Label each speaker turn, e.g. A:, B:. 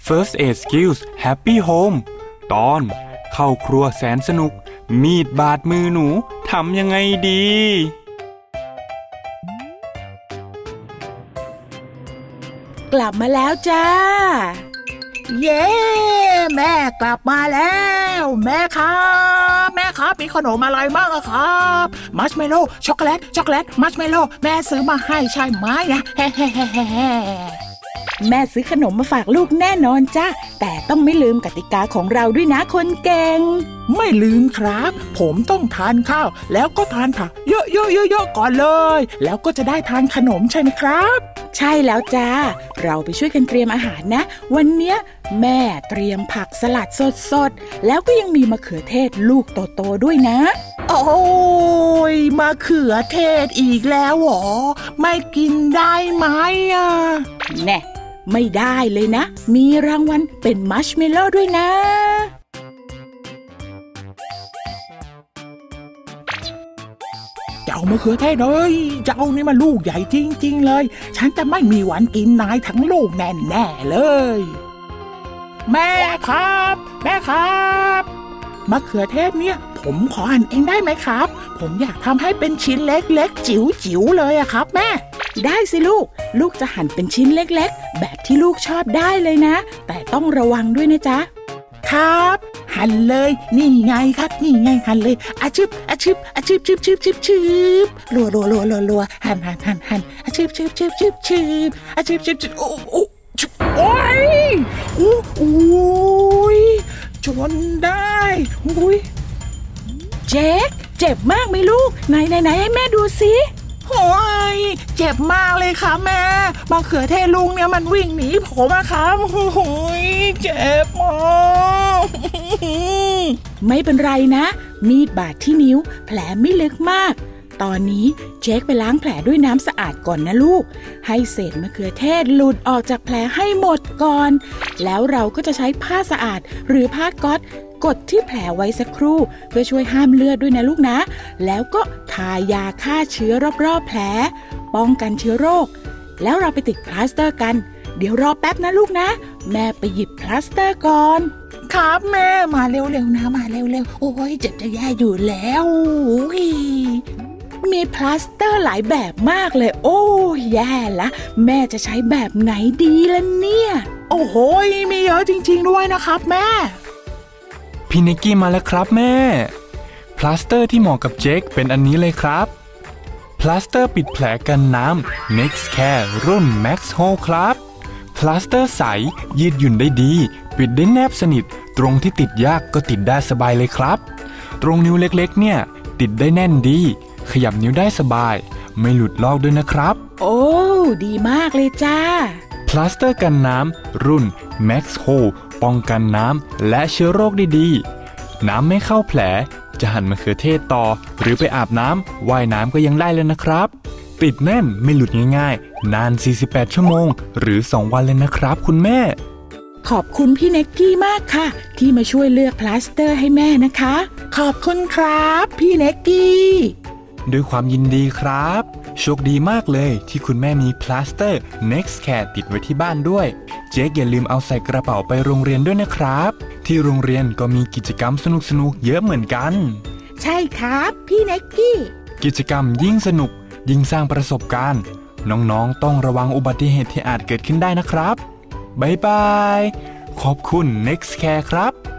A: First Aid Skills Happy Home ตอนเข้าครัวแสนสนุกมีดบาดมือหนูทำยังไงดี
B: กลับมาแล้วจ้า
C: เย้แม่กลับมาแล้วแม่ครับมีขนมอะไรบ้างอะครับมัชเมลโล่ช็อกโกแลตมัชเมลโล่แม่ซื้อมาให้ใช่ไหมนะเฮ้
B: แม่ซื้อขนมมาฝากลูกแน่นอนจ้าแต่ต้องไม่ลืมกติกาของเราด้วยนะคนเก่ง
C: ไม่ลืมครับผมต้องทานข้าวแล้วก็ทานผักเยอะๆก่อนเลยแล้วก็จะได้ทานขนมใช่ไหมครับ
B: ใช่แล้วจ้าเราไปช่วยกันเตรียมอาหารนะวันเนี้ยแม่เตรียมผักสลัดสดๆแล้วก็ยังมีมะเขือเทศลูกโตๆด้วยนะ
C: โอ้ยมะเขือเทศอีกแล้วหรอไม่กินได้ไหมอ่ะ
B: แน่ไม่ได้เลยนะมีรางวัลเป็นมัชเมลโล่ด้วยนะ
C: เจ้ามะเขือเทศเลยเจ้านี่มันลูกใหญ่จริงๆเลยฉันจะไม่มีวันกินนายทั้งลูกแน่ๆเลยแม่ครับมะเขือเทศเนี่ยผมขอหั่นเองได้ไหมครับผมอยากทำให้เป็นชิ้นเล็กๆจิ๋วๆเลยอะครับแม่
B: ได้สิลูกจะหั่นเป็นชิ้นเล็กๆแบบที่ลูกชอบได้เลยนะแต่ต้องระวังด้วยนะจ๊ะ
C: ครับหั่นเลยนี่ไงครับนี่ไงหั่นเลยอาชึบรัวหั่นอาชึบอาชึบโอ้ยจนได้
B: เจ๊กเจ็บมากไหมลูกไหนให้แม่ดูสิ
C: โอ้ยเจ็บมากเลยค่ะแม่มะเขือเทศลุงเนี่ยมันวิ่งหนีผมอะครับโอ้ยเจ็บมาก
B: ไม่เป็นไรนะมีดบาดที่นิ้วแผลไม่ลึกมากตอนนี้เจ๊กไปล้างแผลด้วยน้ำสะอาดก่อนนะลูกให้เศษมะเขือเทศหลุดออกจากแผลให้หมดก่อนแล้วเราก็จะใช้ผ้าสะอาดหรือผ้าก๊อซกดที่แผลไว้สักครู่เพื่อช่วยห้ามเลือดด้วยนะลูกนะแล้วก็ทายาฆ่าเชื้อรอบๆแผลป้องกันเชื้อโรคแล้วเราไปติดพลาสเตอร์กันเดี๋ยวรอแป๊บนะลูกนะแม่ไปหยิบพลาสเตอร์ก่อน
C: ครับแม่มาเร็วๆนะมาเร็วๆโอ้ยเจ็บจะแย่อยู่แล้ว
B: มีพลาสเตอร์หลายแบบมากเลยโอ้แย่ละแม่จะใช้แบบไหนดีล่ะเนี่ย
C: โอ้โหมีเยอะจริงๆด้วยนะครับแม่
A: พี่นิกกี้มาแล้วครับแม่พลาสเตอร์ที่เหมาะกับเจคเป็นอันนี้เลยครับพลาสเตอร์ปิดแผลกันน้ำ Next Care รุ่น Max Hold ครับพลาสเตอร์ใสยืดหยุ่นได้ดีปิดได้แนบสนิทตรงที่ติดยากก็ติดได้สบายเลยครับตรงนิ้วเล็กๆเนี่ยติดได้แน่นดีขยับนิ้วได้สบายไม่หลุดลอกด้วยนะครับ
B: โอ้ดีมากเลยจ้า
A: พลาสเตอร์กันน้ำรุ่น Max Hold ป้องกันน้ำและเชื้อโรคได้ดีน้ำไม่เข้าแผลจะหั่นมะเขือเทศต่อหรือไปอาบน้ำว่ายน้ำก็ยังได้เลยนะครับติดแน่นไม่หลุดง่ายๆนาน48ชั่วโมงหรือ2วันเลยนะครับคุณแม่
B: ขอบคุณพี่เน็กกี้มากค่ะที่มาช่วยเลือกพลาสเตอร์ให้แม่นะคะ
C: ขอบคุณครับพี่เน็กกี้
A: ด้วยความยินดีครับโชคดีมากเลยที่คุณแม่มีพลาสเตอร์ Next Care ติดไว้ที่บ้านด้วยเจ๊อย่าลืมเอาใส่กระเป๋าไปโรงเรียนด้วยนะครับที่โรงเรียนก็มีกิจกรรมสนุกๆเยอะเหมือนกัน
B: ใช่ครับพี่เน็กกี้
A: กิจกรรมยิ่งสนุกยิ่งสร้างประสบการณ์น้องๆต้องระวังอุบัติเหตุที่อาจเกิดขึ้นได้นะครับบ๊ายบายขอบคุณ Next Care ครับ